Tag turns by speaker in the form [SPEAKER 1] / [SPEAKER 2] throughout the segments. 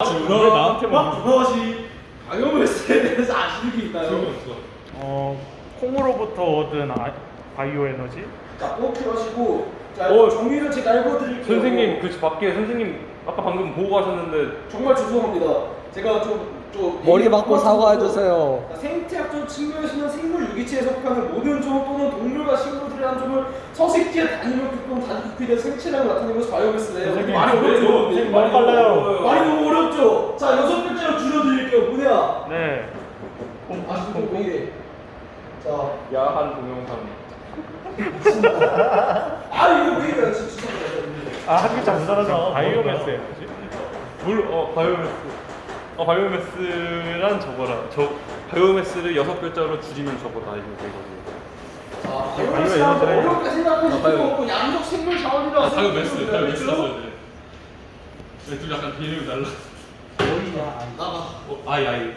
[SPEAKER 1] 왜 나한테만
[SPEAKER 2] 혹시 바이오매스에 대해서 아시는 게 있나요?
[SPEAKER 3] 콩으로부터 얻은 바이오 에너지?
[SPEAKER 2] 자, 꼭 필요하시고 자,
[SPEAKER 1] 어,
[SPEAKER 2] 정의를 제가 읽어드릴게요.
[SPEAKER 1] 선생님 그 밖에 선생님 아까 방금 보고 가셨는데
[SPEAKER 2] 정말 죄송합니다. 제가 좀
[SPEAKER 4] 머리 맞고 사과해주세요.
[SPEAKER 2] 생태학적 측면에서는 생물 유기체에 속하는 모든 종 또는 동물과 식물들의 한 종을 서식지에 단위로 겪은 단기区된 생체량을 나타내는 것이 바이오매스래요.
[SPEAKER 3] 선생님,
[SPEAKER 2] 많이 어렵죠?
[SPEAKER 3] 선생님 너무 빨라요.
[SPEAKER 2] 많이 너무 어렵죠? 자, 6글자로 줄여드릴게요. 뭐냐?
[SPEAKER 3] 네.
[SPEAKER 2] 아시고 이게 자,
[SPEAKER 1] 야한 동영상.
[SPEAKER 2] 이거 왜 이래? 진짜
[SPEAKER 3] 한 글자 못 알아서. 바이오매스 에너지?
[SPEAKER 1] 바이오매스란 저거라. 저 바이오매스를 6글자로 줄이면 저거다 이거 되거든요.
[SPEAKER 2] 자,
[SPEAKER 3] 바이오
[SPEAKER 2] 바이오매스라고
[SPEAKER 3] 에너지를-
[SPEAKER 2] 어렵게 생각하실
[SPEAKER 1] 바이오.
[SPEAKER 2] 필요 없고 양적 생물 자원이라고
[SPEAKER 1] 바이오매스
[SPEAKER 2] 생각하시면 돼요.
[SPEAKER 1] 네, 둘 약간 비율이 달라.
[SPEAKER 2] 나가.
[SPEAKER 1] 아이.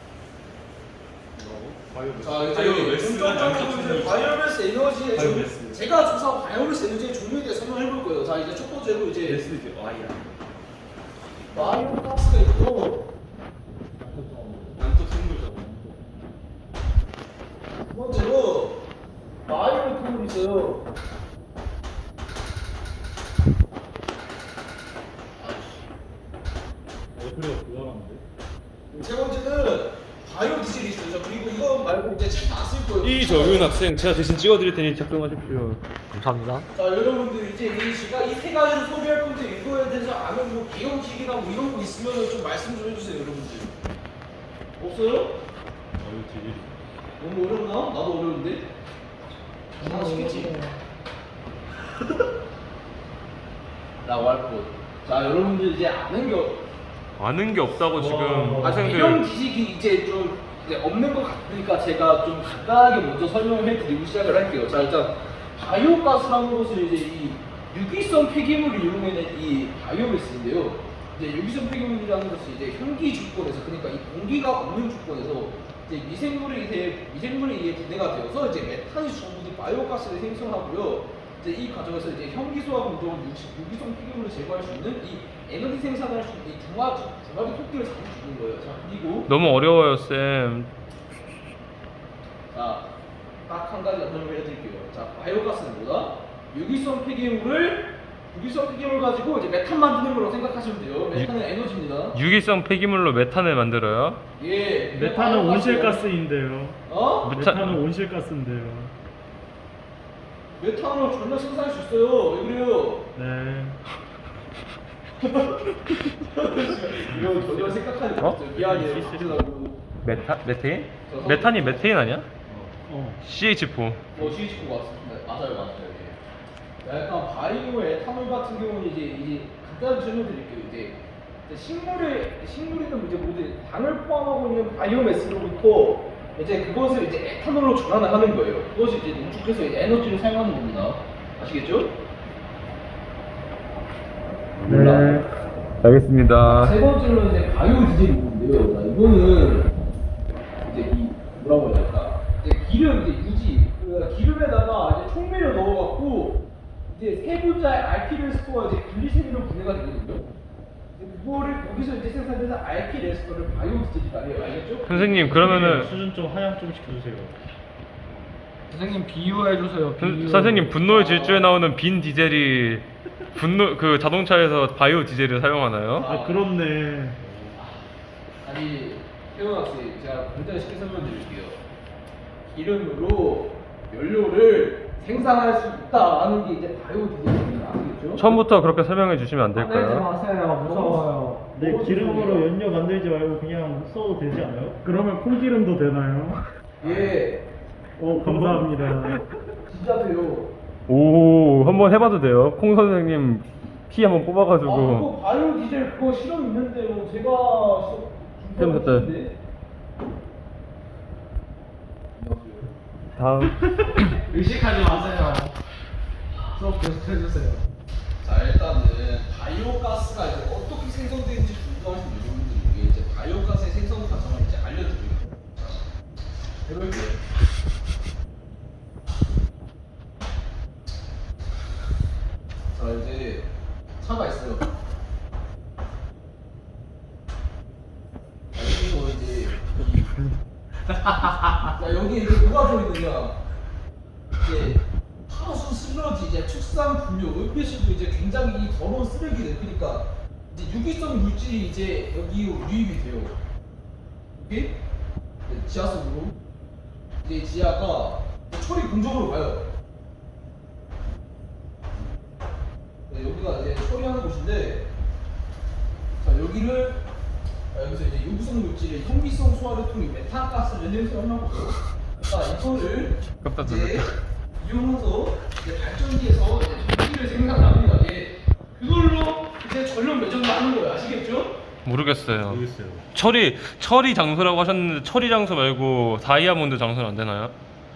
[SPEAKER 2] 자, 이제
[SPEAKER 1] 바이오매스가 양적
[SPEAKER 2] 본격적으로
[SPEAKER 1] 생물.
[SPEAKER 2] 바이오매스 에너지의
[SPEAKER 1] 바이오매스.
[SPEAKER 2] 제가 조사한 바이오매스 에너지의 종류에 대해 설명해 볼 거예요. 자, 이제 첫 번째로 이제
[SPEAKER 1] 매스 이제 아이야.
[SPEAKER 2] 바이오가스가 있고
[SPEAKER 1] 양적 생물이잖아.
[SPEAKER 2] 두 번째로 바이오메탄올이 있어요. 세 번째는 바이오 디젤이 있어요. 그리고 이거 말고 이제 책 다 쓸 거예요.
[SPEAKER 1] 이정윤 학생 제가 대신 찍어드릴 테니 작성하십시오.
[SPEAKER 4] 감사합니다.
[SPEAKER 2] 자, 여러분들 이제 제가 이 세 가지를 소개할 건데 이거에 대해서 아는 뭐 비용식이나 뭐 이런 거 있으면 좀 말씀 좀 해주세요, 여러분들. 없어요? 너무 어렵나? 나도 어려운데. 아시겠지? 나 왈꽃. 자, 여러분들 이제
[SPEAKER 1] 아는 게 없다고 지금
[SPEAKER 2] 이런
[SPEAKER 1] 학생들
[SPEAKER 2] 지식이 이제 좀 이제 없는 것 같으니까 제가 좀 간단하게 먼저 설명을 해드리고 시작을 할게요. 자, 일단 바이오가스라는 것을 이제 이 유기성 폐기물을 이용해낸 이 바이오매스인데요. 이제 유기성 폐기물이라는 것이 이제 현기 조건에서, 그러니까 이 공기가 없는 조건에서 이제 미생물에 의해 분해가 되어서 이제 메탄이 주성분인 바이오가스를 생성하고요. 이제 이 과정에서 이제 현기소와 공정한 유기성 폐기물을 제거할 수 있는 이 에너지 생산을 할 수 있는 이 중화기 토끼를 잡을 수 있는 거예요. 자, 그리고
[SPEAKER 1] 너무 어려워요 쌤.
[SPEAKER 2] 자, 딱 한 가지 설명을 해드릴게요. 자, 바이오가스는 뭐다? 유기성 폐기물 가지고 이제 메탄 만드는 걸로 생각하시면 돼요. 메탄은 에너지입니다.
[SPEAKER 1] 유기성 폐기물로 메탄을 만들어요.
[SPEAKER 2] 예.
[SPEAKER 3] 메탄은
[SPEAKER 2] 바이오가스예요.
[SPEAKER 3] 온실가스인데요.
[SPEAKER 2] 어?
[SPEAKER 3] 메탄은 온실가스인데요.
[SPEAKER 2] 메탄을 전혀 생산할 수 있어요. 왜 그래요?
[SPEAKER 3] 네.
[SPEAKER 2] 이거 전혀 생각하지 못했어요. 미안해요. 죄송하고.
[SPEAKER 1] 메테인? 메탄이 메테인 아니야? CH4.
[SPEAKER 2] CH4 맞습니다. 맞아요. 예. 자, 약간 바이오 에탄올 같은 경우는 이제 간단히 설명드릴게요. 이제 식물이든 이제 모든 당을 포함하고 있는 바이오매스로부터 이제 그것을 이제 에탄올로 전환을 하는 거예요. 그것이 이제 농축해서 이제 에너지를 사용하는 겁니다. 아시겠죠?
[SPEAKER 3] 네.
[SPEAKER 1] 알겠습니다.
[SPEAKER 2] 세 번째로 이제 바이오 디젤이 있는데요. 자, 이거는 이제 이 뭐라고 해야 될까? 이제 기름 이제 유지 기름에다가 이제 총매를 넣어갖고 이제 세 분자의 알키레스토와 이제 글리세린으로 분해가 되거든요. 이제 그거를 거기서 이제 생산되는 알키레스토를 바이오 디젤이라 해요. 알겠죠?
[SPEAKER 1] 선생님 그러면은
[SPEAKER 3] 수준 좀 하향 좀 시켜주세요.
[SPEAKER 4] 선생님 비유해주세요.
[SPEAKER 1] 선생님 분노의 질주에 나오는 빈 디젤이 그 자동차에서 바이오 디젤을 사용하나요?
[SPEAKER 3] 아 그렇네.
[SPEAKER 2] 아니 태원 학생 제가 간단히 쉽게 설명드릴게요. 기름으로 연료를 생산할 수 있다라는 게 이제 바이오 디젤입니다. 아시겠죠?
[SPEAKER 1] 처음부터 그렇게 설명해 주시면 안
[SPEAKER 4] 화내지
[SPEAKER 1] 될까요?
[SPEAKER 4] 마세요. 무서워요.
[SPEAKER 3] 네, 기름으로 연료 만들지 말고 그냥 써도 되지 않아요? 그러면 콩기름도 되나요?
[SPEAKER 2] 예,
[SPEAKER 3] 감사합니다.
[SPEAKER 2] 진짜 돼요.
[SPEAKER 1] 오, 한번 해봐도 돼요? 콩 선생님 피 한번 뽑아가지고.
[SPEAKER 2] 그거 바이오 디젤 그거 실험 있는데요. 제가
[SPEAKER 1] 실험 됐다. 다음.
[SPEAKER 4] 의식하지 마세요. 수업 계속 해주세요.
[SPEAKER 2] 자, 일단은 바이오가스가 이제 어떻게 생성되는지 궁금하신 여러분들에게 이제 바이오가스의 생성 과정을 이제 알려드리겠습니다. 자, 해볼게요. 자, 이제 차가 있어요. 자 여기 이제 뭐가 들어있느냐 이제 하수 슬러지 이제 축산 분뇨 은폐수도 이제 굉장히 더러운 쓰레기들 그러니까 이제 유기성 물질이 이제 여기로 유입이 돼요. 오케이? 지하 속으로 이제 지하가 처리 공정으로 가요. 네, 여기가 이제 처리하는 곳인데 자 여기를 여기서 이제 유기성 물질의 현기성 소화를 통해 메탄가스를 생성하고 자 이거를
[SPEAKER 1] 깜짝
[SPEAKER 2] 이제
[SPEAKER 1] 놀랐다.
[SPEAKER 2] 이용해서 이제 발전기에서 이제 전기를 생산합니다. 예. 그걸로 이제 전력 매전을 하는 거예요. 아시겠죠?
[SPEAKER 1] 모르겠어요.
[SPEAKER 3] 모르겠어요.
[SPEAKER 1] 처리 장소라고 하셨는데 처리 장소 말고 다이아몬드 장소는 안 되나요?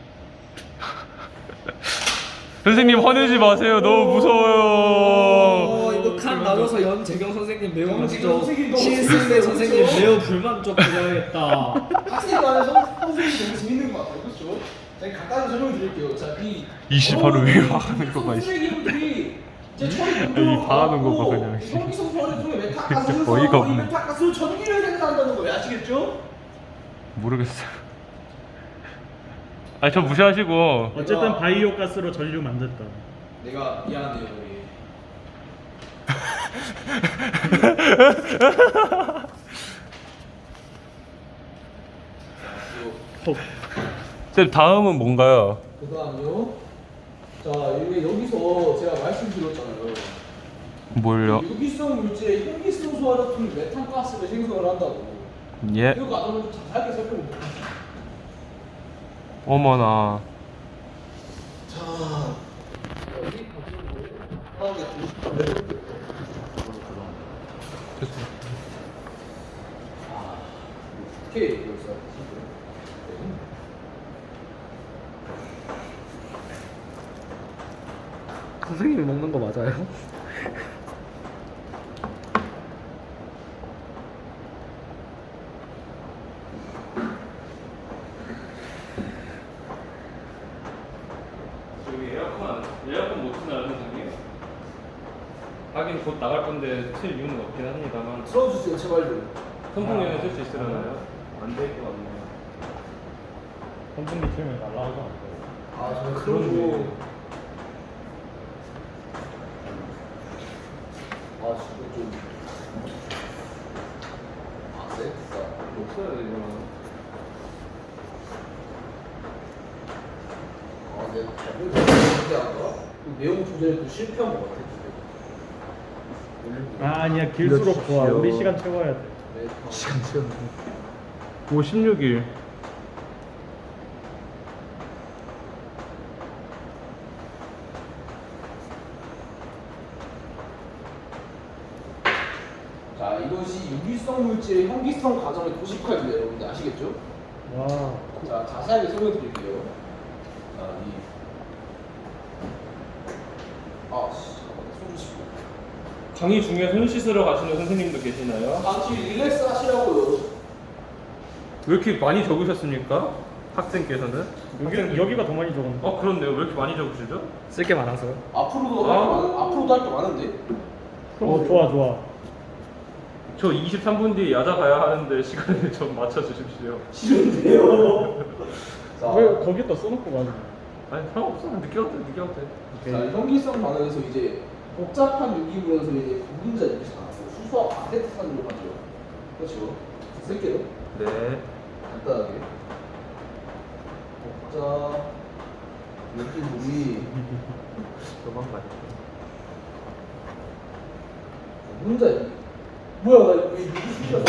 [SPEAKER 1] 선생님 화내지 마세요. 너무 무서워요.
[SPEAKER 4] 이거 칸 나눠서 연재경 선생님 매우
[SPEAKER 2] 연재경 선생님 너무
[SPEAKER 4] 신승대
[SPEAKER 2] 재밌어요.
[SPEAKER 4] 선생님
[SPEAKER 2] 그렇죠?
[SPEAKER 4] 매우 불만족 드려야겠다.
[SPEAKER 2] 학생도 안에서 선생님이 너무 재밌는 것 같아요. 그렇죠? 제가 간단히 설명을 드릴게요. 자,
[SPEAKER 1] 이씨, 바로 위에 화하는 거 봐, 씨.
[SPEAKER 2] 쓰레기들이 이제 처리
[SPEAKER 1] 이 화하는 거 봐, 그냥, 씨.
[SPEAKER 2] 현기성 소화를 통해 메탄가스를
[SPEAKER 1] 진짜 어이가
[SPEAKER 2] 생성하고 이
[SPEAKER 1] 없네.
[SPEAKER 2] 메탄가스로 전기를 생산한다는 거예요. 아시겠죠?
[SPEAKER 1] 모르겠어요. 아니 저 무시하시고
[SPEAKER 3] 어쨌든 바이오 가스로 전류 만들까.
[SPEAKER 2] 내가 미안해요. 우리.
[SPEAKER 1] 쌤 다음은 뭔가요?
[SPEAKER 2] 그 다음요. 자, 이게 여기서 제가 말씀드렸잖아요.
[SPEAKER 1] 뭘요?
[SPEAKER 2] 유기성 물질의 현기성 소화를 통해 메탄가스를 생성을 한다고.
[SPEAKER 1] 예.
[SPEAKER 2] 이 과정을 좀 자세하게 살펴볼게요.
[SPEAKER 1] 어머나.
[SPEAKER 2] 자, 여기 하나게 두 오케이, 여기서.
[SPEAKER 4] 선생님이 먹는 거 맞아요?
[SPEAKER 1] 저기 에어컨 못 트나요 선생님? 하긴 곧 나갈 건데 틀 이유는 없긴 합니다만
[SPEAKER 2] 틀어주세요, 제발요.
[SPEAKER 1] 선풍기는 쓸 수 있으려나요? 안 될 것 같네요.
[SPEAKER 3] 선풍기 틀면 날라가죠.
[SPEAKER 2] 아, 정말
[SPEAKER 1] 그렇네.
[SPEAKER 2] 그러고. 아, 진짜 좀. 아, 쎄?
[SPEAKER 1] 없어야 되잖아.
[SPEAKER 2] 아, 내가 답을 잘못하지 않아? 내용 조절에 또 실패한 것 같아.
[SPEAKER 3] 아 아니야 길수록 좋아. 우리 시간 채워야 돼.
[SPEAKER 2] 네,
[SPEAKER 4] 시간 채우는
[SPEAKER 1] 16일.
[SPEAKER 2] 자, 이것이 유기성 물질의 현기성 과정의 도식화입니다, 여러분들 아시겠죠?
[SPEAKER 3] 와.
[SPEAKER 2] 자, 자세하게 설명드릴게요. 자, 손 씻고.
[SPEAKER 1] 강의 중에 손 씻으러 가시는 선생님도 계시나요?
[SPEAKER 2] 잠시 릴렉스 하시라고요.
[SPEAKER 1] 왜 이렇게 많이 적으셨습니까? 학생께서는?
[SPEAKER 3] 여기가 더 많이 적었네.
[SPEAKER 1] 그렇네요. 왜 이렇게 많이 적으시죠?
[SPEAKER 4] 쓸게 많아서요?
[SPEAKER 2] 앞으로도 할 게 많은데.
[SPEAKER 3] 좋아 좋아.
[SPEAKER 1] 저 23분 뒤에 야자 가야 하는데 시간을 좀 맞춰주십시오.
[SPEAKER 2] 싫은데요. 자,
[SPEAKER 3] 왜 거기다 써놓고 가는 거야?
[SPEAKER 1] 아니 상관없어. 늦게 와도 돼. 늦게 와도 돼.
[SPEAKER 2] 자, 현기성 반응에서 이제 복잡한 유기물에서 이제 분분자 유기성 나고 수소와 반대탄으로 가죠. 그렇죠. 쓸게요.
[SPEAKER 1] 네.
[SPEAKER 2] 간단하게. 복잡 유기물이
[SPEAKER 1] 도망가.
[SPEAKER 2] 분분자 뭐야 나 이거 왜 유기술이야?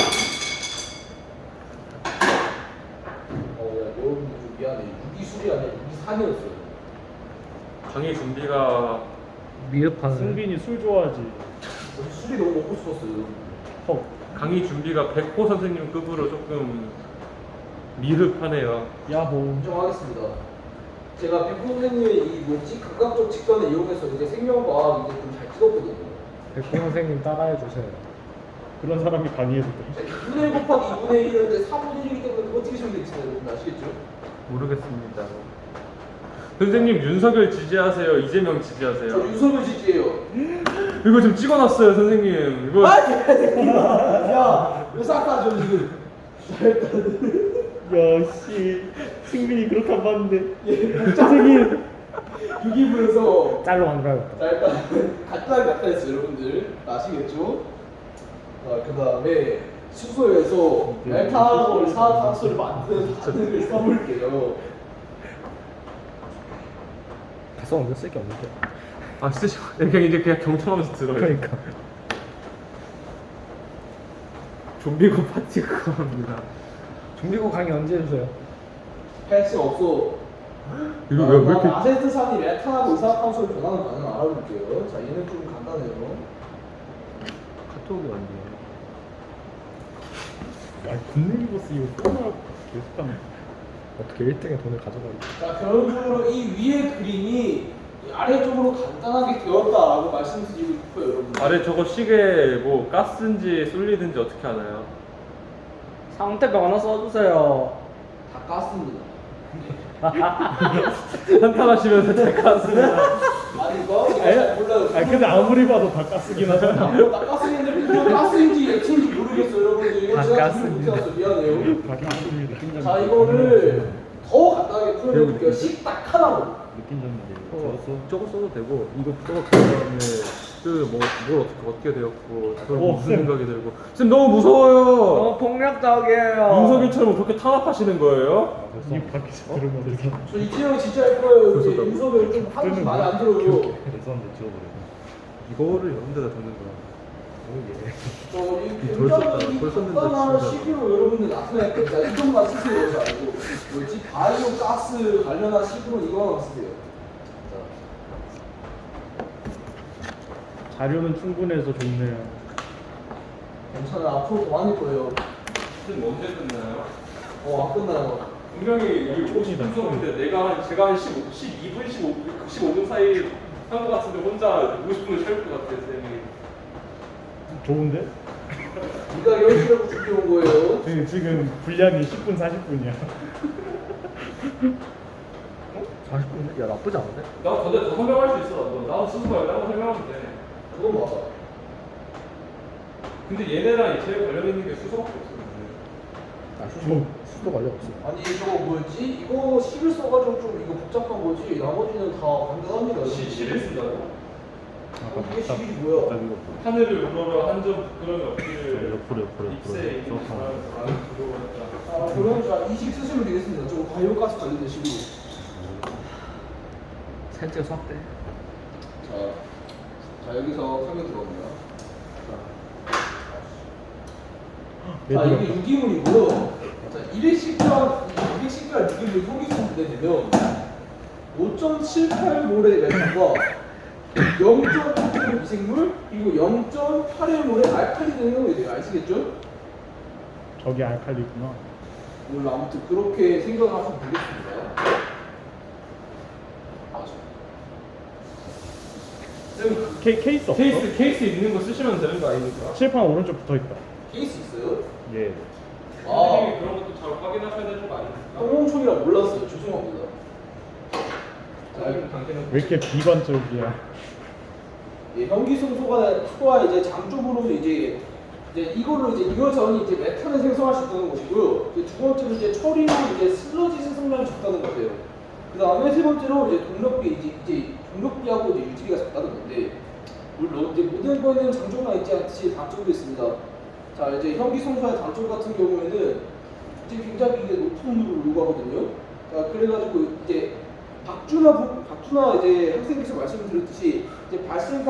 [SPEAKER 2] 야 여러분들 좀 미안해. 유기술이 아니라 유기산이었어요.
[SPEAKER 1] 강의 준비가
[SPEAKER 4] 미흡하네.
[SPEAKER 3] 승빈이 술 좋아하지.
[SPEAKER 2] 술이 너무 먹고 싶었어요.
[SPEAKER 3] 헉.
[SPEAKER 1] 강의 준비가 백호 선생님 급으로 조금 미흡하네요.
[SPEAKER 3] 야호.
[SPEAKER 2] 인정하겠습니다. 제가 백호 선생님의 이 뭐지 감각적 직관을 이용해서 이제 생명과학 이제 좀 잘 찍었거든요.
[SPEAKER 4] 백호 선생님 따라해 주세요.
[SPEAKER 3] 그런 사람이 강의해도 돼.
[SPEAKER 2] 2분의 1 곱하기 2분의 1인데 4분의 1이기 때문에 그거 찍으시면 되잖아요. 여러분 아시겠죠?
[SPEAKER 1] 모르겠습니다. 선생님 윤석열 지지하세요? 이재명
[SPEAKER 2] 저
[SPEAKER 1] 지지하세요?
[SPEAKER 2] 윤석열 지지예요.
[SPEAKER 1] 이거 좀 찍어놨어요 선생님. 이거
[SPEAKER 2] 야, 왜 싹다 줘 지금?
[SPEAKER 3] 야씨 승민이 그렇게 안 봤는데 선생님
[SPEAKER 2] 유기물에서
[SPEAKER 4] 짤로 만들어야겠다.
[SPEAKER 2] 자 일단 간단하게 나타냈어요 여러분들 아시겠죠? 그 다음에 숙소에서 메탄올 산화탄소를 만드는 바늘을 써볼게요.
[SPEAKER 4] 가서 쓸게 없는데.
[SPEAKER 1] 아 진짜 그냥 이제 그냥 경청하면서 들어요.
[SPEAKER 4] 그러니까.
[SPEAKER 1] 좀비고 파티 그거 합니다.
[SPEAKER 4] 중비고 강의 언제 해주세요?
[SPEAKER 2] 패치 없어.
[SPEAKER 1] 이거 왜 이렇게
[SPEAKER 2] 아세트산이 메탄하고 이산화탄소로 변하는 반응을 알아볼게요. 자 얘는 좀 간단해요.
[SPEAKER 1] 카톡이 왔네요.
[SPEAKER 3] 아 군능이버스 이거 끊어라고 계속 하면
[SPEAKER 4] 어떻게 1등의 돈을 가져가지?
[SPEAKER 2] 자 결론적으로 이 위에 그림이 이 아래쪽으로 간단하게 되었다라고 말씀드리고 싶어요 여러분.
[SPEAKER 1] 아래 저거 시계 뭐 가스인지 솔리드인지 어떻게 아나요?
[SPEAKER 4] 상태표 하나 써주세요.
[SPEAKER 2] 다 깠습니다.
[SPEAKER 1] 한탄하시면서 잘 갔습니다.
[SPEAKER 2] 아니 이거 제가 잘 몰라요.
[SPEAKER 3] 아 근데 아무리 봐도 다 가스긴 하잖아.
[SPEAKER 2] 다 가스인데 이거 가스인지 액체인지 모르겠어요 여러분들. 이거
[SPEAKER 4] 다
[SPEAKER 2] 제가
[SPEAKER 4] 가스입니다.
[SPEAKER 2] 못해서 미안해요.
[SPEAKER 3] 다 가스입니다.
[SPEAKER 2] 자 이거를 더 간단하게 표현해볼게요. 식딱 하나로.
[SPEAKER 3] 느낀 점이
[SPEAKER 1] 저거 써도 되고 이거 써도 그다음에 그뭘 어떻게 되었고 그걸 무슨
[SPEAKER 3] 쌤.
[SPEAKER 1] 생각이 들고 쌤 너무 무서워요.
[SPEAKER 4] 폭력적이에요.
[SPEAKER 1] 윤석열처럼 그렇게 탄압하시는 거예요?
[SPEAKER 3] 이 밖에서 들으면 돼서
[SPEAKER 2] 저 이태영 진짜 할 거예요.
[SPEAKER 1] 벌써
[SPEAKER 2] 여기 인석을 좀 하는 게 많이 안 들어요.
[SPEAKER 3] 대선데 지워버려.
[SPEAKER 1] 이거를 이런 데다 듣는 거야.
[SPEAKER 2] 저이
[SPEAKER 1] 돌 썼다.
[SPEAKER 2] 굉장히
[SPEAKER 1] 돌 썼는데
[SPEAKER 2] 간단한
[SPEAKER 1] 진짜.
[SPEAKER 2] 시기로 여러분들 나타낼 거예요. 자 이것만 쓰세요. 자 이거 뭐지 바이오 가스 관련한 시기로 이거만 쓰세요.
[SPEAKER 3] 자료는 충분해서 좋네요.
[SPEAKER 2] 괜찮아요. 앞으로 더 많을 거예요.
[SPEAKER 1] 쌤 언제 끝나요?
[SPEAKER 2] 안 끝나요.
[SPEAKER 1] 분명히 이 50분인데 제가 한 12분, 15분 사이 한 것 같은데 혼자 50분을 채울 것 같아요, 쌤이.
[SPEAKER 3] 좋은데?
[SPEAKER 2] 네가 열심히 준비해 온 거예요.
[SPEAKER 3] 지금 분량이 10분 40분이야.
[SPEAKER 4] 40분? 야 나쁘지 않은데?
[SPEAKER 1] 나 근데 더 설명할 수 있어. 나도 스스로 나도 설명하면 돼.
[SPEAKER 2] 그건 맞아.
[SPEAKER 1] 근데 얘네랑 제일 관련 있는 게 수소밖에 없어.
[SPEAKER 4] 아 수도 관련 없어.
[SPEAKER 2] 아니 저거 뭐였지? 이거 시를 써가지고 좀 이거 복잡한 거지. 나머지는 다 간단합니다.
[SPEAKER 1] 시를 쓴다고?
[SPEAKER 2] 이게 시이 뭐야?
[SPEAKER 1] 하늘을 우러러 한 점 부끄러움이 없기를
[SPEAKER 3] 옆으로
[SPEAKER 1] 입새에 있는 사람은 그거였다.
[SPEAKER 2] 자 그럼 자 이식 쓰시면 되겠습니다. 저거 바이오가스 관련된 식으로.
[SPEAKER 4] 셋째 수학 때.
[SPEAKER 2] 자 여기서 설명 들어갑니다.
[SPEAKER 3] 네,
[SPEAKER 2] 자 이게 유기물이고요. 자 210g 유기물 효기성 분해되면 5.78몰의 메탄과 0.8몰의 미생물 그리고 0.81몰의 알칼리 등이 형성이 돼요. 아시겠죠?
[SPEAKER 3] 저기 알칼리구나.
[SPEAKER 2] 몰라 아무튼 그렇게 생각하시면 되겠습니다.
[SPEAKER 3] 케이스 없어?
[SPEAKER 1] 케이스 있는 거 쓰시면 되는 거 아닙니까?
[SPEAKER 3] 칠판 오른쪽 붙어있다.
[SPEAKER 2] 케이스 있어요?
[SPEAKER 3] 예.
[SPEAKER 1] 선생님이 그런 것도 잘 확인하셔야 되는 거 아닙니까?
[SPEAKER 2] 홍총이라 몰랐어요. 죄송합니다. 자,
[SPEAKER 1] 당신은
[SPEAKER 3] 왜 이렇게 비관적이야?
[SPEAKER 2] 예, 현기성소가 이제 장 쪽으로 이제 이거를 이제 이거 전이 이제 메탄을 생성할 수 있다는 것이고요. 이제 두 번째로 이제 처리로 이제 슬러지 생성량이 적다는 거예요. 그 다음에 세 번째로 이제 동력비하고 이제 유지비가 적다는 건데 물론 이제 모든 거에는 장점만 있지 않듯이 단점도 있습니다. 자 이제 현기성소의 단점 같은 경우에는 이제 굉장히 이제 높은 온도를 요구하거든요. 자 그래가지고 이제 박준하 이제 학생께서 말씀드렸듯이 이제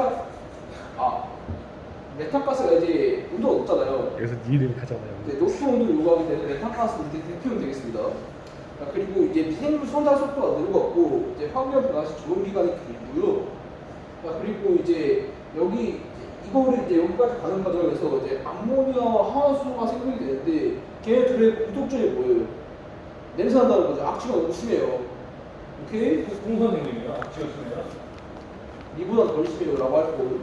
[SPEAKER 2] 메탄가스가 이제 온도가 높잖아요.
[SPEAKER 4] 여기서 니를 가잖아요.
[SPEAKER 2] 이제 높은 온도를 요구하게 되는 메탄가스는 이제 대표는 되겠습니다. 자, 그리고 이제 미생물 성장 속도가 늘어갔고 이제 환경 변화 시 조정 기간이 길고요. 자, 그리고 이제 이거를 이제 여기까지 가는 과정에서 이제 암모니아와 하수가 생성이 되는데 걔네 둘의 공통점이 뭐예요? 냄새 난다는 거죠. 악취가 너무 심해요. 오케이?
[SPEAKER 1] 홍 선생님이요? 악취였습니다.
[SPEAKER 2] 이보다 덜 심해요라고 할 거고.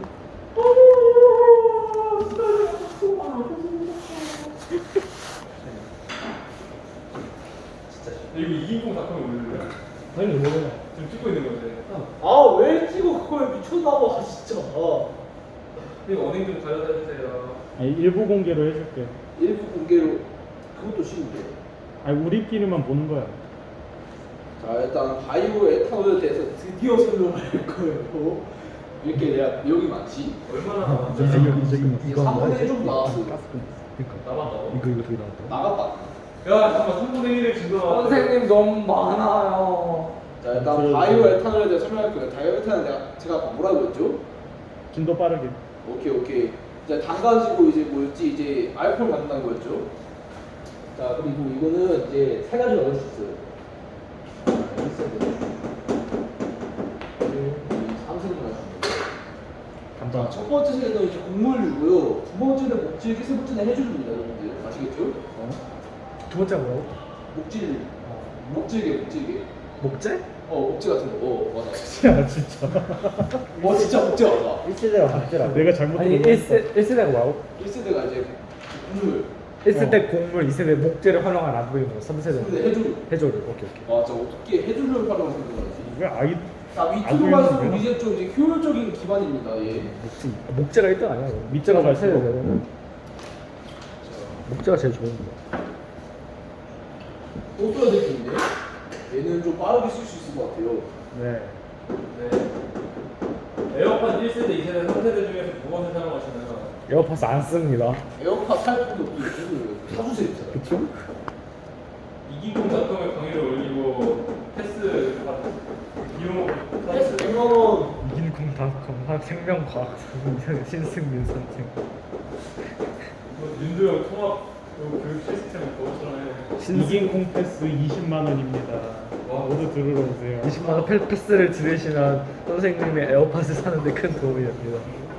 [SPEAKER 1] 이거 2인공 작품이 올릴래요?
[SPEAKER 4] 당연히 모르네.
[SPEAKER 1] 지금 찍고 있는 건데.
[SPEAKER 2] 아 왜 찍어 그걸 미쳤나봐 진짜.
[SPEAKER 1] 이거 언행 좀 가져다 주세요.
[SPEAKER 3] 아니, 일부 공개로 해줄게.
[SPEAKER 2] 일부 공개로 그것도 쉬운데.
[SPEAKER 3] 아니 우리끼리만 보는 거야.
[SPEAKER 2] 자 일단 바이오 에탄올에 대해서 드디어 설명할 거예요. 이렇게 내가 내용이 많지?
[SPEAKER 1] 얼마나 남았지?
[SPEAKER 2] 이거 3분의 1 정도 나왔어.
[SPEAKER 4] 그러니까
[SPEAKER 1] 남았다고?
[SPEAKER 4] 이거 되게 나왔다.
[SPEAKER 2] 나갔다.
[SPEAKER 1] 야 잠깐만 3분의 1을 증거 나왔다.
[SPEAKER 2] 선생님 너무 많아요. 자 일단 바이오 에탄올에 대해 설명할 거예요. 바이오 에탄올 제가 아까 뭐라고 했죠?
[SPEAKER 3] 진도 빠르게.
[SPEAKER 2] 오케이. 이제 당 가지고 이제 뭐였지? 이제 알코올 만든다는 거였죠. 자 그리고 이거는 이제 세 가지로 나눌 수 있어요. 3세로 나눌 수 있어요. 자, 첫 번째 세대는 이제 곡물류고요. 두 번째는 목질기, 세 번째는 해조류입니다, 여러분들. 아시겠죠?
[SPEAKER 4] 두 번째 뭐라고?
[SPEAKER 2] 목질, 목질개.
[SPEAKER 4] 목재?
[SPEAKER 2] 목재 같은 거. 맞아.
[SPEAKER 3] 야 진짜.
[SPEAKER 2] 진짜 목재 맞아.
[SPEAKER 4] 1세대가 목재라고?
[SPEAKER 3] 내가 잘못
[SPEAKER 4] 아니
[SPEAKER 3] 들은
[SPEAKER 4] 1세대가 뭐라고?
[SPEAKER 2] 1세대가 이제 곡물,
[SPEAKER 4] 1세대 곡물, 2세대 목재를 활용한 안 보이는 거, 3세대
[SPEAKER 2] 3세대 해조류.
[SPEAKER 4] 해조류. 오케이.
[SPEAKER 2] 맞아. 어떻게 해조류를 활용해서 그런지.
[SPEAKER 3] 왜 아이
[SPEAKER 2] 자,
[SPEAKER 3] 안
[SPEAKER 2] 위쪽으로
[SPEAKER 3] 보이는
[SPEAKER 2] 갈수록
[SPEAKER 3] 거야?
[SPEAKER 2] 이제 좀 이제 효율적인 기반입니다, 예.
[SPEAKER 4] 목재가 1등 아니야?
[SPEAKER 3] 밑자가 갈수록.
[SPEAKER 4] 목재가 제일 좋은 거.
[SPEAKER 2] 또 써야 될 게 있네. 얘는 좀 빠르게 쓸 수 있을 것 같아요.
[SPEAKER 3] 네.
[SPEAKER 1] 네. 에어팟 1세대, 2세대, 3세대 중에서 무엇을 사용하시나요?
[SPEAKER 4] 에어팟 안 씁니다.
[SPEAKER 2] 에어팟 살 필요도 없고 사주세요, 진짜.
[SPEAKER 4] 그쵸?
[SPEAKER 1] 이기공닷컴에 강의를 올리고 패스 비용
[SPEAKER 2] 패스 100만원.
[SPEAKER 4] 이긴콩닷컴 생명과학 신승민 선생.
[SPEAKER 1] 윤도형 통합 교육 시스템 그것처럼 해.
[SPEAKER 3] 이긴 콩패스 20만 원입니다.
[SPEAKER 1] 와.
[SPEAKER 3] 모두 들으러 오세요.
[SPEAKER 4] 20만 원 패스를 들으시면 선생님의 에어팟을 사는데 큰 도움이 됩니다.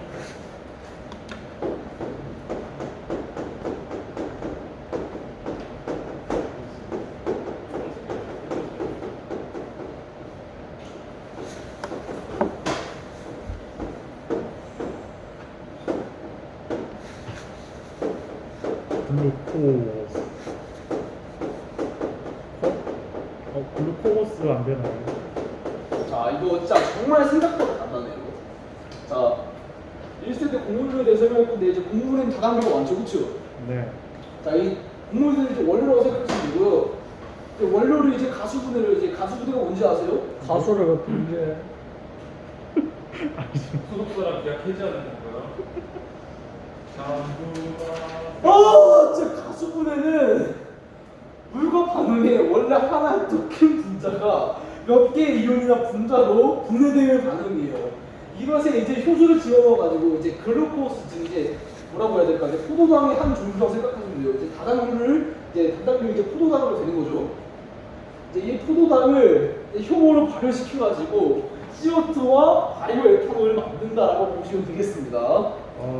[SPEAKER 3] 글루코스. 글루코스 안 되나요?
[SPEAKER 2] 자, 이거 진짜 정말 생각보다 간단해요. 자, 1세대 곡물류에 대해서 설명할 건데 이제 곡물은 다단계가 많죠, 그쵸?
[SPEAKER 3] 네.
[SPEAKER 2] 자, 이 곡물들은 이제 원료라고 생각하시면 되고요. 이제 원료를 이제 가수분해를 이제 가수분해가 뭔지 아세요?
[SPEAKER 4] 가수를 왜 분리해?
[SPEAKER 1] 소속사랑 계약 해지하는 건가요?
[SPEAKER 2] 진짜 가수분해는 물과 반응에 원래 하나의 더 큰 분자가 몇 개의 이온이나 분자로 분해되는 반응이에요. 이것에 이제 효소를 집어넣어가지고 이제 글루코스 즉 이제 뭐라고 해야 될까? 이제 포도당의 한 종류라고 생각하시면 돼요. 이제 다당류를 이제 단당류 이제 포도당으로 되는 거죠. 이제 이 포도당을 이제 효모로 발효시켜가지고 CO2와 바이오 에탄올을 만든다라고 보시면 되겠습니다.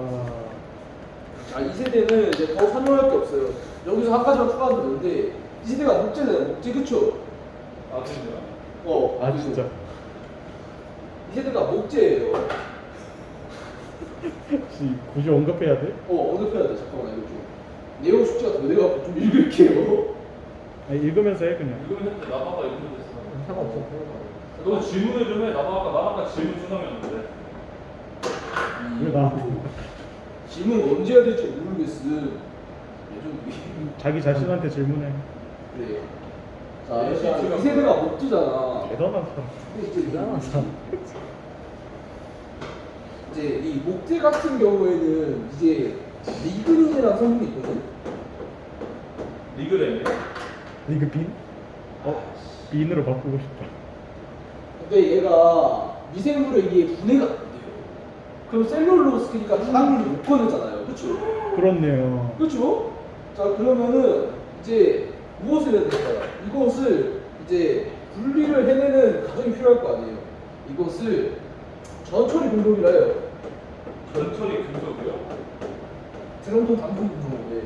[SPEAKER 2] 자, 이 세대는 이제 더 설명할 게 없어요. 여기서 한 가지만 추가하면 되는데 이 세대가 목재잖아요. 목재 그쵸?
[SPEAKER 1] 아 진짜?
[SPEAKER 3] 아 진짜.
[SPEAKER 2] 이 세대가 목재예요.
[SPEAKER 3] 혹시 굳이 언급해야 돼?
[SPEAKER 2] 언급해야 돼. 잠깐만 이거 좀 내용 숙제가 더 내려가고 좀 읽을게요.
[SPEAKER 3] 아니, 읽으면서 해 그냥.
[SPEAKER 1] 이거는 했는데 나바가 이거는 됐어.
[SPEAKER 4] 상관없어.
[SPEAKER 1] 너 질문을 좀 해. 나바가 질문 수상이었는데.
[SPEAKER 3] 왜 나?
[SPEAKER 2] 질문 언제 해야 될지 모르겠음. 예전
[SPEAKER 3] 자기 자신한테 질문해.
[SPEAKER 2] 그래. 자, 일단 이 세대가 목재잖아.
[SPEAKER 3] 대단한 사람.
[SPEAKER 2] 대단한 사람. 이제 이 목재 같은 경우에는 이제 리그닌이라는 성분이 있거든.
[SPEAKER 1] 리그램이요?
[SPEAKER 3] 리그빈? 빈으로 바꾸고 싶다.
[SPEAKER 2] 근데 얘가 미생물에 의해 분해가 안 돼요. 그럼 셀룰로스니까 다당류를 못 꺼내잖아요. 그렇죠?
[SPEAKER 3] 그렇네요.
[SPEAKER 2] 그렇죠? 자 그러면은 이제 무엇을 해야 될까요? 이것을 이제 분리를 해내는 과정이 필요할 거 아니에요. 이것을 전처리 공정이라 해요.
[SPEAKER 1] 전처리 금속이요?
[SPEAKER 2] 드럼통 단품 공정인데.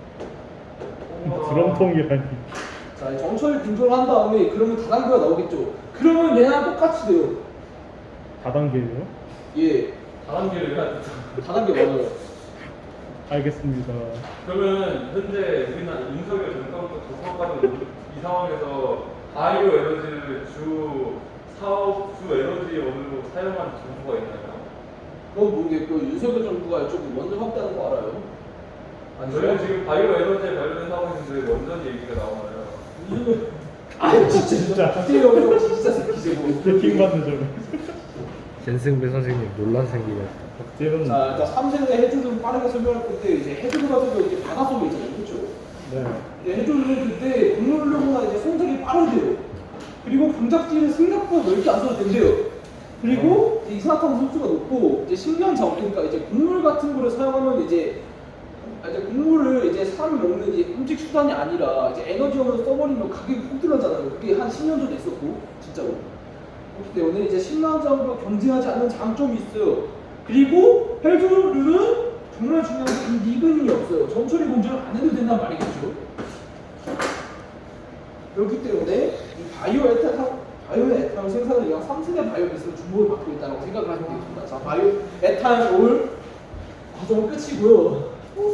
[SPEAKER 3] 드럼통이라니.
[SPEAKER 2] 자, 이 전처리 공정을 한 다음에 그러면 다단계가 나오겠죠. 그러면 얘랑 똑같이 돼요.
[SPEAKER 3] 다단계예요?
[SPEAKER 2] 예,
[SPEAKER 1] 다단계를 해야 돼.
[SPEAKER 2] 다단계 맞아요.
[SPEAKER 3] 알겠습니다.
[SPEAKER 1] 그러면 현재 우리나라 윤석열 정권부터 조사까지 이 상황에서 바이오 에너지를 주 사업 주 에너지원으로 사용한 정부가 있나요?
[SPEAKER 2] 그건 모르겠고 윤석열 정부가 이쪽을 먼저 확대하는 거 알아요?
[SPEAKER 1] 저희는 지금 바이오 에너지에 관련된 사업인데 원전 얘기가 나오나요?
[SPEAKER 2] 아 진짜 박재영 진짜 새끼지.
[SPEAKER 3] 킹 받는 점.
[SPEAKER 4] 젠승배 선생님 논란 생기네.
[SPEAKER 3] 박재는
[SPEAKER 2] 자 일단 3세대 해주는 빠르게 설명할 건데 이제 해주는 같은 경우 이제 바닷속에 있잖아요, 그렇죠?
[SPEAKER 3] 네.
[SPEAKER 2] 이제 해주는 그때 국물로보다 이제 성적이 빠르대요. 그리고 분작지는 생각보다 넓게 안 써도 된대요. 그리고 이제 이산화탄소 흡수가 높고 이제 식량 자원 그러니까 이제 곡물 같은 거를 사용하면 이제 곡물을 이제 사람이 먹는 이제 음식 수단이 아니라 이제 에너지원으로 써버리면 가격이 폭 들어가잖아요. 그게 한 10년 전에 있었고 진짜로. 그렇기 때문에 이제 식량 자원과 경쟁하지 않는 장점이 있어요. 그리고 헬조류는 정말 중요한 게 니근이 없어요. 점처리 공정을 안 해도 된단 말이겠죠. 그렇기 때문에 이 바이오에탄올 생산을 위한 3세대 바이오매스로 주목을 받고 있다고 생각을 하시면 되겠습니다. 자, 바이오에탄올 과정은 끝이고요.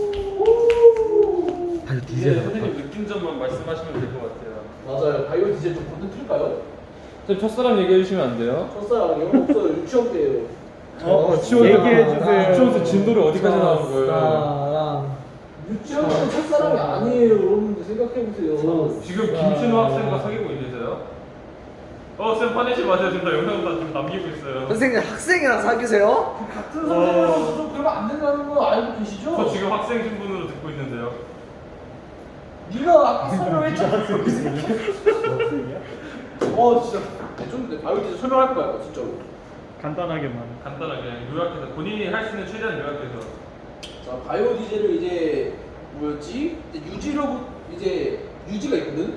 [SPEAKER 4] 아주
[SPEAKER 1] 이제
[SPEAKER 4] 디젤
[SPEAKER 1] 선생님 느낀 점만 말씀하시면 될 것 같아요.
[SPEAKER 2] 맞아요. 바이오 디젤 좀 건너뛸까요?
[SPEAKER 1] 선생님 첫사랑 얘기해 주시면 안 돼요?
[SPEAKER 2] 첫사랑이요? 없어요. 유치원 때예요.
[SPEAKER 3] 얘기해 주세요.
[SPEAKER 1] 유치원에서 진도를 어디까지 나온 거예요?
[SPEAKER 4] 사랑.
[SPEAKER 2] 유치원은 첫사랑이 아니에요. 여러분들 생각해보세요.
[SPEAKER 1] 지금 김신호 학생과 사귀고 있는데요? 쌤 화내지 마세요. 지금 나 영상 좀 남기고 있어요.
[SPEAKER 4] 선생님 학생이랑 사귀세요?
[SPEAKER 2] 같은 선생님으로서 좀 그러면 안 된다는 거 알고 계시죠?
[SPEAKER 1] 저 지금 학생 신분으로 듣고 있는데요.
[SPEAKER 2] 네가 아까 설명했잖아.
[SPEAKER 3] 학생이야?
[SPEAKER 2] 진짜. 좀 바이오 디젤 설명할 거야, 진짜로.
[SPEAKER 3] 간단하게만.
[SPEAKER 1] 간단하게 그냥 요약해서 본인이 할 수 있는 최대한 요약해서.
[SPEAKER 2] 자, 바이오 디젤을 이제 뭐였지? 이제 유지가 있거든.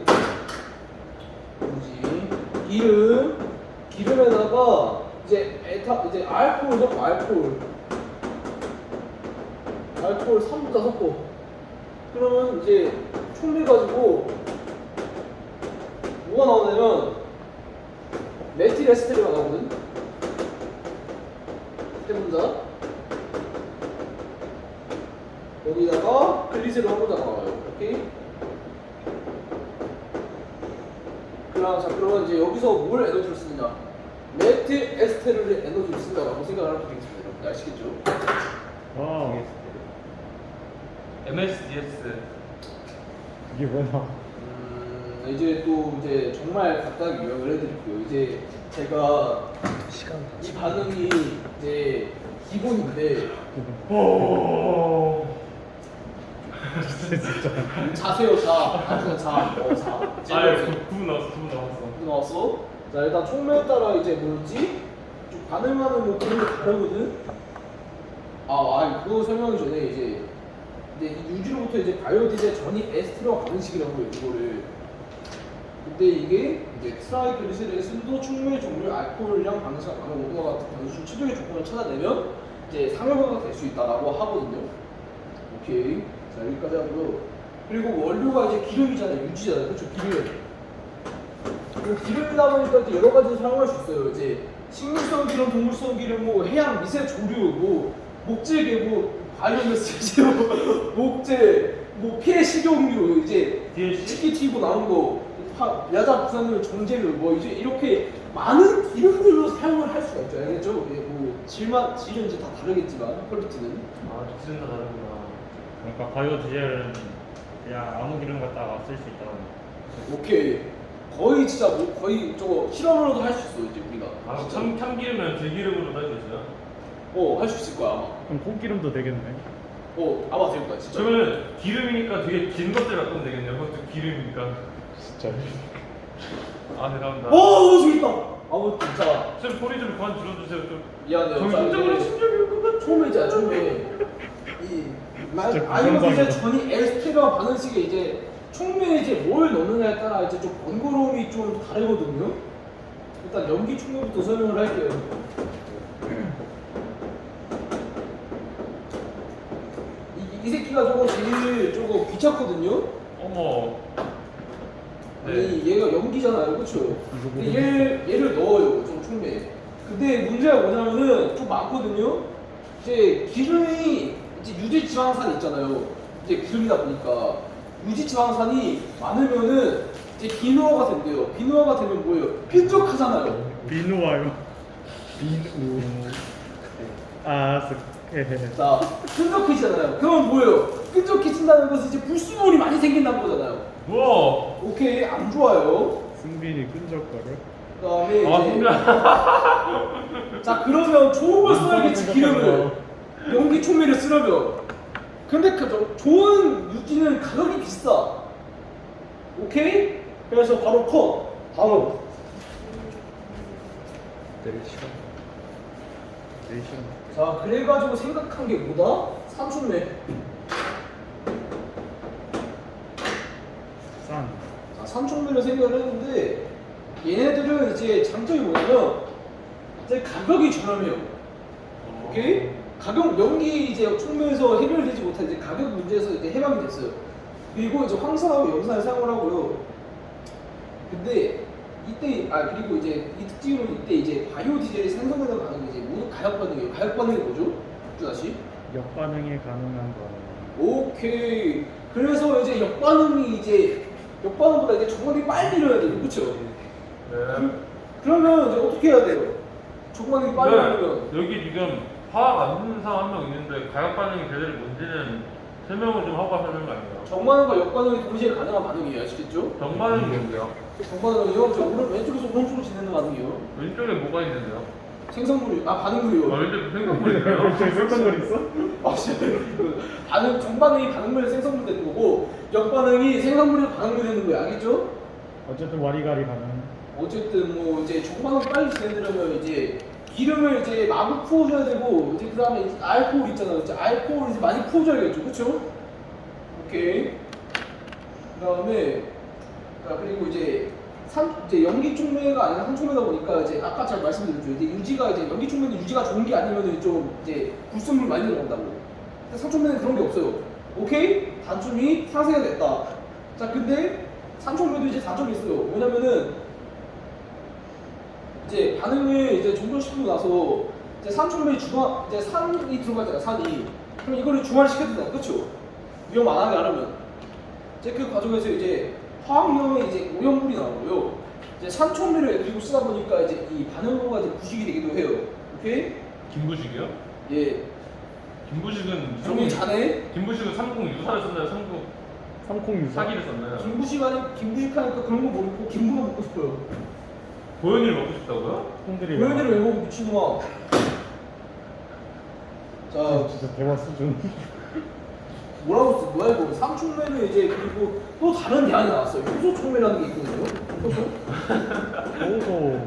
[SPEAKER 2] 유지. 기름에다가 이제 알코올 섞어, 알코올 3부터 섞어. 그러면 이제 총매 가지고 뭐가 나오냐면 메틸 에스테르가 나오거든. 해본다. 여기다가 글리세롤 한 번더 나와요. 오케이? 그러면 이제 여기서 뭘 에너지를 쓰느냐? 메틸 에스테르의 에너지를 쓴다고 생각을 하면 되겠습니다. 여러분 아시겠죠?
[SPEAKER 3] 와.
[SPEAKER 1] MSDS.
[SPEAKER 3] 이게 뭐야?
[SPEAKER 2] 이제 또 이제 정말 간단하게 요약을 해드릴게요. 이제 제가
[SPEAKER 4] 시간
[SPEAKER 2] 이 반응이 이제 기본인데
[SPEAKER 3] 진짜.
[SPEAKER 2] 자세요 자 아주 자
[SPEAKER 1] 구분 나왔어. 구분 나왔어.
[SPEAKER 2] 나왔어. 자 일단 총매에 따라 이제 뭐지? 좀 반응하는 뭐 그런 게 다르거든. 그거 설명하기 전에 이제 이 유지로부터 이제 바이오디젤 전이 에스테르와 반응식이라고 해요 이거를. 근데 이게 이제 트라이글리세린의 순도, 충분히 종류, 알코올량, 반응식, 반응 오도와 같은 변수 최적의 조건을 찾아내면 이제 상용화가 될 수 있다라고 하거든요. 오케이. 자 여기까지 하고요. 그리고 원료가 이제 기름이잖아요. 유지잖아요. 그렇죠? 기름이다 보니까 이제 여러 가지 사용할 수 있어요. 이제 식물성 기름, 동물성 기름, 뭐 해양 미세 조류, 뭐 목재계, 뭐 바이오매스, 목재, 뭐 폐 식용유, 이제 치킨 튀고 나온 거, 야자 부산물, 정제류, 뭐 이제 이렇게 많은 기름들로 사용을 할 수가 있죠. 알겠죠? 뭐 질은 이제 다 다르겠지만 퀄리티는.
[SPEAKER 1] 기준 다 다르구나.
[SPEAKER 3] 그러니까 바이오 디젤은 그냥 아무 기름 갖다가 쓸 수 있다.
[SPEAKER 2] 오케이. 거의 진짜 뭐 거의 저거 실험으로도 할 수 있어 이제 우리가.
[SPEAKER 1] 참기름은 들기름으로 할 수 있어요?
[SPEAKER 2] 할 수 있을 거야 아마.
[SPEAKER 3] 그럼 콩기름도 되겠네.
[SPEAKER 2] 아마 될 거야 진짜.
[SPEAKER 1] 그러면 기름이니까 되게 긴 것들 갖고 되겠네요. 그것도 기름이니까.
[SPEAKER 3] 진짜.
[SPEAKER 1] 대단하다.
[SPEAKER 2] 재밌다. 진짜.
[SPEAKER 1] 쌤 소리 좀 그만 줄여주세요. 좀.
[SPEAKER 2] 미안해요.
[SPEAKER 1] 정신적으로 심적인
[SPEAKER 2] 처음에 바이오디젤 전이 에스테르와 반응식에 이제 총매에 이제 뭘 넣느냐에 따라 이제 좀 번거로움이 좀 다르거든요. 일단 연기 총매부터 설명을 할게요. 이 새끼가 제일 귀찮거든요.
[SPEAKER 1] 어머.
[SPEAKER 2] 아니 얘가 연기잖아요, 그렇죠? 근데 얘를 넣어요, 좀 총매에. 근데 문제가 뭐냐면은 좀 많거든요. 이제 기름이 이제 유지 지방산 있잖아요. 이제 기름이다 보니까 유지 지방산이 많으면은 이제 비누화가 된대요. 비누화가 되면 뭐예요? 끈적하잖아요.
[SPEAKER 3] 비누와요. 비누.
[SPEAKER 2] 자, 끈적해지잖아요. 그러면 뭐예요? 끈적해진다는 것은 이제 불순물이 많이 생긴다는 거잖아요.
[SPEAKER 1] 우와.
[SPEAKER 2] 오케이 안 좋아요.
[SPEAKER 4] 승빈이 끈적거려.
[SPEAKER 2] 그다음에
[SPEAKER 1] 아
[SPEAKER 2] 이제
[SPEAKER 1] 승빈아.
[SPEAKER 2] 자 그러면 좋은 걸 써야겠지 기름을 연기 총미를 쓰려면. 근데 그 좋은 유기는 가격이 비싸. 오케이? 그래서 바로 컷. 다음.
[SPEAKER 4] 내일 시간. 내일 시간.
[SPEAKER 2] 자 그래가지고 생각한 게 뭐다? 산촌매.
[SPEAKER 4] 싼.
[SPEAKER 2] 자 산촌매를 생각을 했는데 얘네들은 이제 장점이 뭐냐면 이제 가격이 저렴해요. 오케이? 가격 연기 이제 총매에서 해결되지 못한 이제 가격 문제에서 이제 해방이 됐어요. 그리고 이제 황산하고 염산을 사용을 하고요. 근데 이때 그리고 이제 이 특징으로 이때 이제 바이오 디젤이 생성되는 반응이 이제 모두 가역 반응이에요. 가역 반응이 뭐죠? 다시.
[SPEAKER 4] 역반응이 가능한 거.
[SPEAKER 2] 오케이. 그래서 이제 역반응이 이제 역반응보다 이제 정말이 빨리 일어나야 돼요. 그렇죠?
[SPEAKER 1] 네.
[SPEAKER 2] 그러면 이제 어떻게 해야 돼요? 정말이 빨리 일어나면
[SPEAKER 1] 여기 지금 화학 안 듣는 사람 한 명 있는데 가격 반응이 제대로 뭔지는 설명을 좀 하고 하는 거 아니에요?
[SPEAKER 2] 정반응과 역반응이 동시에 가능한 반응이에요. 아시겠죠?
[SPEAKER 1] 정반응이 뭔데요?
[SPEAKER 2] 정반응은요. 저 왼쪽에서 오른쪽으로 진행하는 반응이에요.
[SPEAKER 1] 왼쪽에 뭐가 있는데요?
[SPEAKER 2] 생성물이
[SPEAKER 1] 아
[SPEAKER 2] 반응물이요.
[SPEAKER 1] 왼쪽에 생각보니까요?
[SPEAKER 4] 쓸던 거 있어?
[SPEAKER 2] 아 진짜 반응 정반응이 반응물에 생성물 되는 거고 역반응이 생성물에 반응물 되는 거예요. 알겠죠?
[SPEAKER 4] 어쨌든 와리가리 가능.
[SPEAKER 2] 어쨌든 뭐 이제 정반응 빨리 진행되려면 이제 기름을 이제 마구 부어줘야 되고 이제 그 다음에 알코올 있잖아요. 이제 알코올을 이제 많이 부어줘야겠죠, 그렇죠? 오케이. 그 다음에 그리고 이제 이제 연기 촉매가 아니라 산촉매다 보니까 이제 아까 제가 말씀드렸죠. 이제 유지가 이제 연기 촉매는 유지가 좋은 게 아니면 좀 이제 불순물 많이 들어간다고. 근데 산촉매는 그런 게 없어요. 오케이? 단점이 상쇄가 됐다. 자, 근데 산촉매도 이제 단점이 있어요. 뭐냐면은 이제 반응을 이제 종료시키고 나서 이제 산촉매에 이제 산이 들어가잖아, 산이. 그럼 이거를 중화를 시켜야 된다, 그렇죠? 위험 안 하게 하려면. 이제 그 과정에서 이제 화학염에 이제 오염물이 나오고요. 이제 산초미를 그리고 쓰다 보니까 이제 이 반응로가 이제 부식이 되기도 해요. 오케이?
[SPEAKER 1] 김부식이요?
[SPEAKER 2] 예.
[SPEAKER 1] 김부식은
[SPEAKER 2] 정리 잘해.
[SPEAKER 1] 김부식은 삼국 유사를 썼나요? 삼국
[SPEAKER 4] 삼콩 유사.
[SPEAKER 1] 사기를 썼나요?
[SPEAKER 2] 김부식 하니까 그런 거 모르고 김부가 먹고 싶어요.
[SPEAKER 1] 고현이를 먹고 싶다고요?
[SPEAKER 4] 콩들이.
[SPEAKER 2] 고현이를 왜 먹어 미친놈아. 자,
[SPEAKER 4] 진짜 대화 수준.
[SPEAKER 2] 뭐라고 써? 뭐야 이거? 삼촉매는 이제 그리고 또 다른 대안이 나왔어요. 효소촉매라는 게 있거든요. 효소?
[SPEAKER 4] 오소.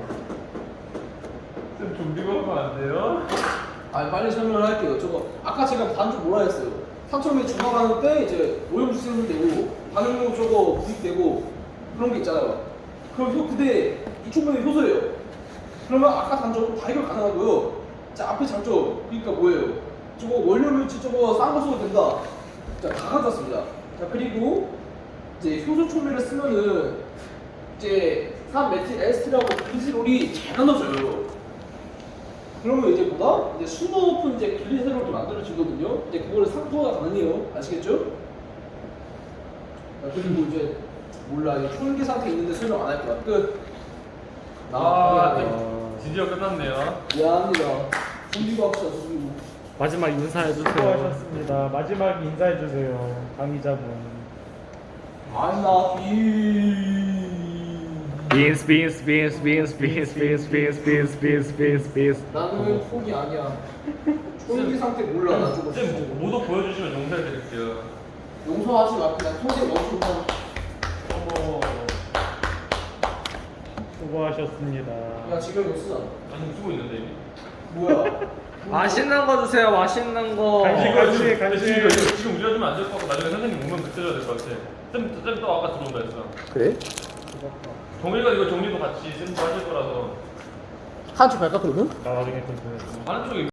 [SPEAKER 1] 좀 좀비가 하면 안 돼요?
[SPEAKER 2] 빨리 설명을 할게요. 저거 아까 제가 단줄 뭐라 했어요? 삼촉매 중화하는 때 이제 오염수 생성되고 반응로 저거 부식되고 그런 게 있잖아요. 그럼 근데 이 촉매는 효소예요. 그러면 아까 단점 다 해결 가능하고요. 자 앞에 장점 그러니까 뭐예요? 저거 원료물질 저거 싼 거 써도 된다. 자, 다 가져왔습니다. 자, 그리고 이제 효소 촉매를 쓰면은 이제 3메틸 에스트라고 글리세롤이 잘 나눠져요. 그러면 이제 뭐다? 이제 순도 높은 이제 글리세롤이 만들어지거든요. 이제 그거를 상토가 가능해요. 아시겠죠? 자, 그리고 이제 몰라 이거 초연기 상태 있는데 설명 안 할 거야. 끝.
[SPEAKER 1] 드디어 끝났네요.
[SPEAKER 2] 미안합니다. 준비과학자 준비.
[SPEAKER 4] 마지막 인사해주세요. 수고하셨습니다. 마지막 인사해주세요. 강의자분.
[SPEAKER 2] I'm not you.
[SPEAKER 4] 빈스.
[SPEAKER 2] 나는 fog이 아니야. 초연기 상태 몰라. 나 저거.
[SPEAKER 1] 쌤 모두 보여주시면 용서해드릴게요.
[SPEAKER 2] 용서하지 마. 그냥 통에 넣어주면.
[SPEAKER 1] 어머.
[SPEAKER 4] 수고하셨습니다.
[SPEAKER 2] 야 지금 이거 쓰잖아.
[SPEAKER 1] 아니 쓰고 있는데 이미.
[SPEAKER 2] 뭐야?
[SPEAKER 5] 맛있는 거 주세요. 맛있는 거.
[SPEAKER 4] 간식.
[SPEAKER 1] 지금 우리가 주면 안 될 것 같고 나중에 선생님 오면 그때 줘야 될 것 같아. 쌤 또 아까 들어온다 했어.
[SPEAKER 2] 그래?
[SPEAKER 1] 정리가 이거 정리도 같이 쌤도 하실 거라서
[SPEAKER 2] 한쪽 갈까 그러면?
[SPEAKER 4] 나 나중에 좀 보여줘.
[SPEAKER 1] 하는 쪽에